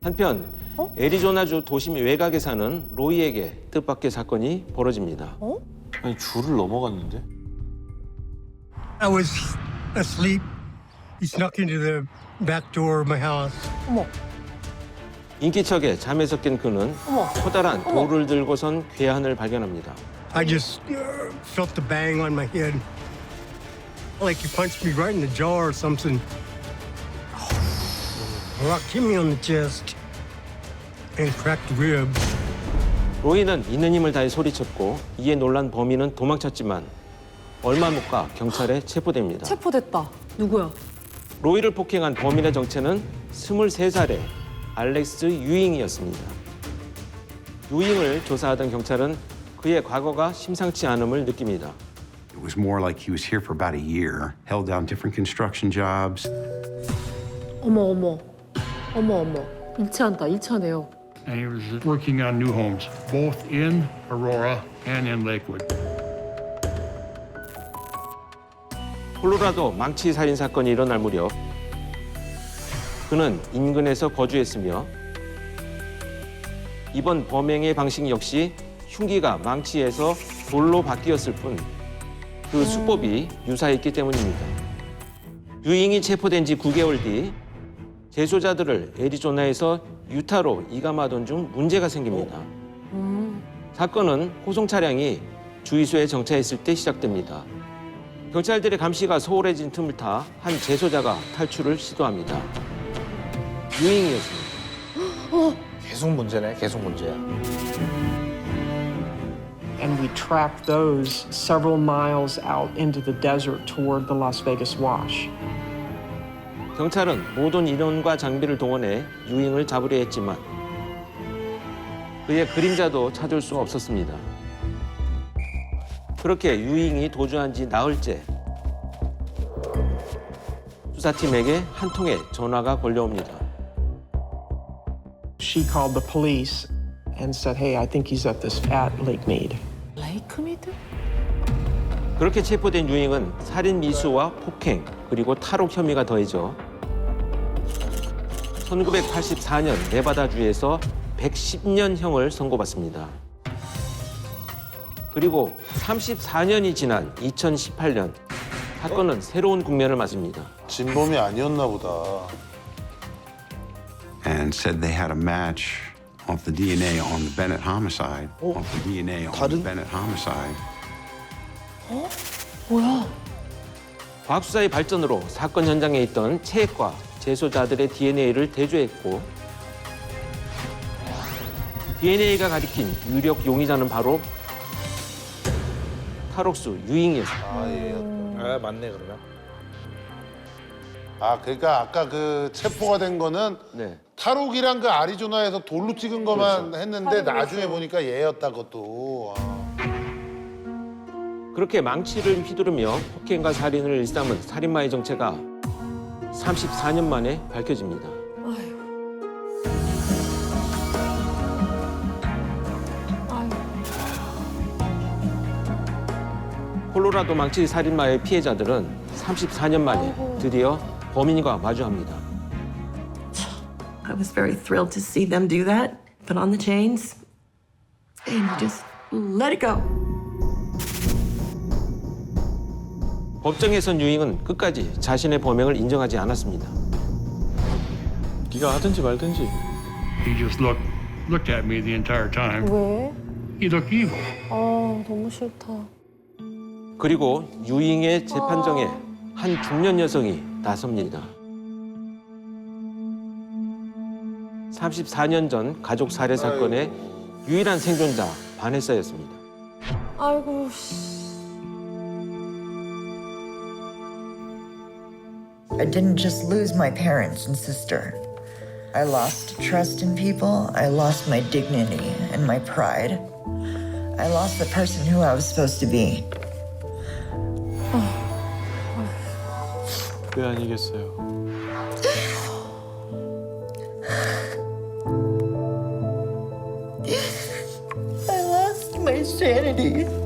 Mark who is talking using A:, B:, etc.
A: 한편 애리조나주 도심 외곽에 사는 로이에게 뜻밖의 사건이 벌어집니다.
B: 아니 줄을 넘어갔는데?
C: I was asleep. He snuck into the back door of my house.
D: 어머,
A: 인기척에 잠에서 깬 그는
D: 어머.
A: 커다란 돌을 들고선 괴한을 발견합니다.
C: I just felt the bang on my head. Like he punched me right in the jaw or something. Rock hit me on the chest and cracked the ribs.
A: 로이는 있는 힘을 다해 소리쳤고 이에 놀란 범인은 도망쳤지만 얼마 못 가 경찰에 체포됩니다.
D: 체포됐다. 누구야?
A: 로이를 폭행한 범인의 정체는 23살의 알렉스 유잉이었습니다. 유잉을 조사하던 경찰은 그의 과거가 심상치 않음을 느낍니다.
E: It was more like he was here for about a year, held down different construction jobs.
D: 어머, 어머. 어머, 어머. 일치한다, 일치하네요.
F: And he was working on new homes, both in Aurora and in Lakewood.
A: 콜로라도 망치 살인 사건이 일어날 무렵 그는 인근에서 거주했으며 이번 범행의 방식 역시 흉기가 망치에서 돌로 바뀌었을 뿐 그 수법이 유사했기 때문입니다. 유잉이 체포된 지 9개월 뒤 재소자들을 애리조나에서 유타로 이감하던 중 문제가 생깁니다. 사건은 호송 차량이 주유소에 정차했을 때 시작됩니다. 경찰들의 감시가 소홀해진 틈을 타 한 재소자가 탈출을 시도합니다. 유잉이었습니다.
B: 계속 문제네, 계속 문제야.
G: And we tracked those several miles out into the desert toward the Las Vegas Wash.
A: 경찰은 모든 인원과 장비를 동원해 유잉을 잡으려 했지만 그의 그림자도 찾을 수 없었습니다. 그렇게 유잉이 도주한 지 나흘째 수사팀에게 한 통의 전화가 걸려옵니다.
G: She called the police and said, "Hey, I think he's at Lake Mead."
D: 레이크미드?
A: 그렇게 체포된 유잉은 살인 미수와 폭행 그리고 탈옥 혐의가 더해져 1984년 네바다주에서 110년형을 선고받습니다. 그리고 34년이 지난 2018년 사건은 새로운 국면을 맞습니다.
B: 진범이 아니었나 보다.
E: And said they had a match off the DNA on the Bennett homicide. Off the DNA on the
B: 다른-
E: Bennett homicide.
D: 뭐야?
A: 과학수사의 발전으로 사건 현장에 있던 체액과 재소자들의 DNA를 대조했고 DNA가 가리킨 유력 용의자는 바로 탈옥수 유잉이었습니다.
B: 아, 얘였다. 아, 맞네, 그러면. 아, 그러니까 아까 그 체포가 된 거는
A: 네.
B: 탈옥이랑 그 아리조나에서 돌로 찍은 것만
A: 그렇죠.
B: 했는데 나중에 보니까 얘였다, 그것도. 아.
A: 그렇게 망치를 휘두르며 폭행과 살인을 일삼은 살인마의 정체가 34년 만에 밝혀집니다.
D: 아유. 아유.
A: 콜로라도 망치 살인마의 피해자들은 34년 만에 드디어 범인과 마주합니다.
H: I was very thrilled to see them do that. Put on the chains and just let it go.
A: 법정에선 유잉은 끝까지 자신의 범행을 인정하지 않았습니다.
B: 네가 하든지 말든지.
F: He just looked at me the entire time.
D: 왜?
F: He looked evil.
D: 아, 너무 싫다.
A: 그리고 유잉의 재판정에 한 중년 여성이 나섭니다. 34년 전 가족 살해 사건의 유일한 생존자 바네사였습니다.
D: 아이고, 씨.
I: I didn't just lose my parents and sister. I lost trust in people. I lost my dignity and my pride. I lost the person who I was supposed to be.
B: 왜 아니겠어요?
I: I lost my sanity.